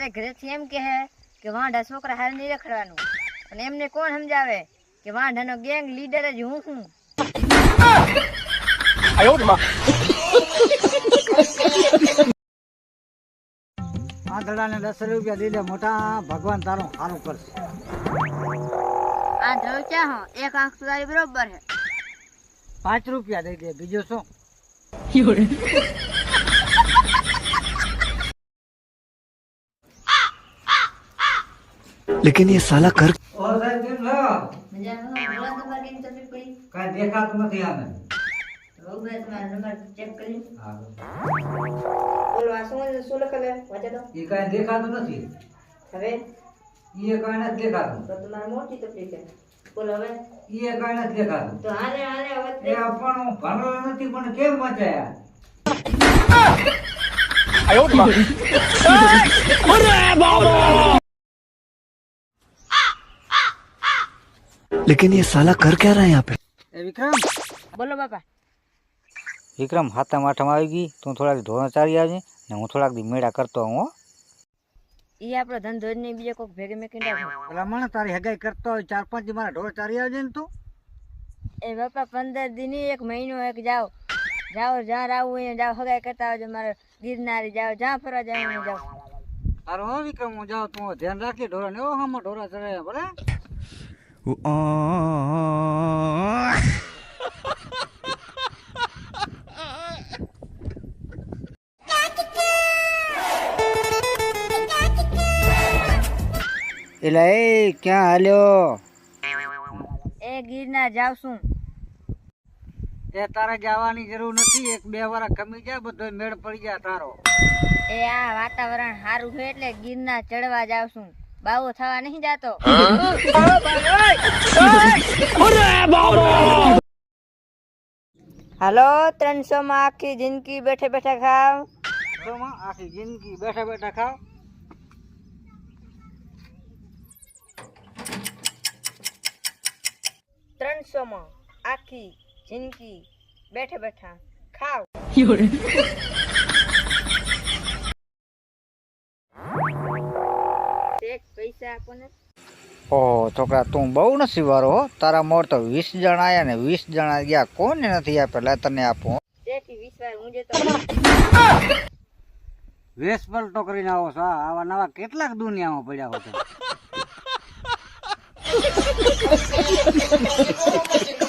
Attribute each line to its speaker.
Speaker 1: મારે ઘરેથી એમ કહે કે વાંઢા છોકરા હારે નહીં રખડવાનું, અને એમને કોણ સમજાવે કે વાંઢાનો ગેંગ લીડર જ હું છું.
Speaker 2: આંધળાને 10 રૂપિયા દીધે મોટા ભગવાન તારું સારું કરશે.
Speaker 1: આ ધ્રવ ચા હો એક આંખ તો તારી બરોબર છે.
Speaker 2: 5 રૂપિયા દઈ દે, બીજું શું?
Speaker 3: लेकिन ये साला कर
Speaker 2: ઓ સાહેબ કેમ છો?
Speaker 1: મજામાં બોલો તમારે કેમ તકલીફ પડી?
Speaker 2: કાંઈ દેખાતું નથી આને.
Speaker 1: બહુ બે તમારો નંબર ચેક કરી.
Speaker 2: હા,
Speaker 1: બોલો આ શું લખેલું છે? વાંચો તો.
Speaker 2: એ કાંઈ દેખાતું નથી.
Speaker 1: હવે
Speaker 2: એ કાંઈ નથી દેખાતું.
Speaker 1: તો તમારે મોટી તકલીફ છે. બોલો હવે.
Speaker 2: એ કાંઈ નથી દેખાતું.
Speaker 1: તો હાલે હાલે હવે
Speaker 2: એ પણ હું ભણેલો નથી, પણ કેમ મચાયા?
Speaker 3: लेकिन ये साला कर क्या रहा है यहाँ पे?
Speaker 2: એ વિક્રમ,
Speaker 1: બોલો બાપા.
Speaker 4: વિક્રમ હાથમ આઠમ આવી ગઈ, તું થોડાક ધોરણ ચાલી આવજે ને હું થોડાક દી મેળા કરતો હું હો.
Speaker 1: ઈ આપણો ધંધો જ નહીં, બીજે કોઈક ભેગે મેં કીધા.
Speaker 2: પેલા મને તારી હગાઈ કરતો હોય 4-5 દી મારા ઢોર ચારી આવજે ને તું.
Speaker 1: એ બાપા 15 દી ની, એક મહિનો એક જાઓ જ્યાં આવું અહીંયા જાઓ, હગાઈ કરતા આવજો. મારે ગિરનારી જાઓ, જ્યાં ફરવા જાવ અહીંયા જાઓ.
Speaker 2: સારું હો વિક્રમ, હું જાઉં, તું ધ્યાન રાખી ઢોરા ને. એવો હામો ઢોરા ચડે ભલે.
Speaker 4: એટલે એ ક્યાં હાલ્યો?
Speaker 1: એ ગિરનાર જાવ છું.
Speaker 2: એ તારે જવાની જરૂર નથી, 1-2 વાર કમી જાય, બધો મેળ પડી જાય તારો.
Speaker 1: એ આ વાતાવરણ સારું છે એટલે ગિરનાર ચડવા જાવ છું. બાવો થવા નહીં જાતો. હાલો 300 માં આખી જિંદગી બેઠે બેઠા ખાવ.
Speaker 2: આખી જિંદગી બેઠા બેઠા ખાવ.
Speaker 1: 300 માં આખી જિંદગી બેઠે બેઠા ખાવ. એક પૈસા આપો ને.
Speaker 4: ઓહો છોકરા, તું બહુ નસીબવાળો હો. તારા મોર તો 20 જણા આયા ને 20 જણા ગયા, કોને નથી આપે? લે તને આપું.
Speaker 1: તેથી 20 વાર હું જતો.
Speaker 2: વેશ પલટો કરીને આવો છો. આવા નવા કેટલાક દુનિયામાં પડ્યા હો છો.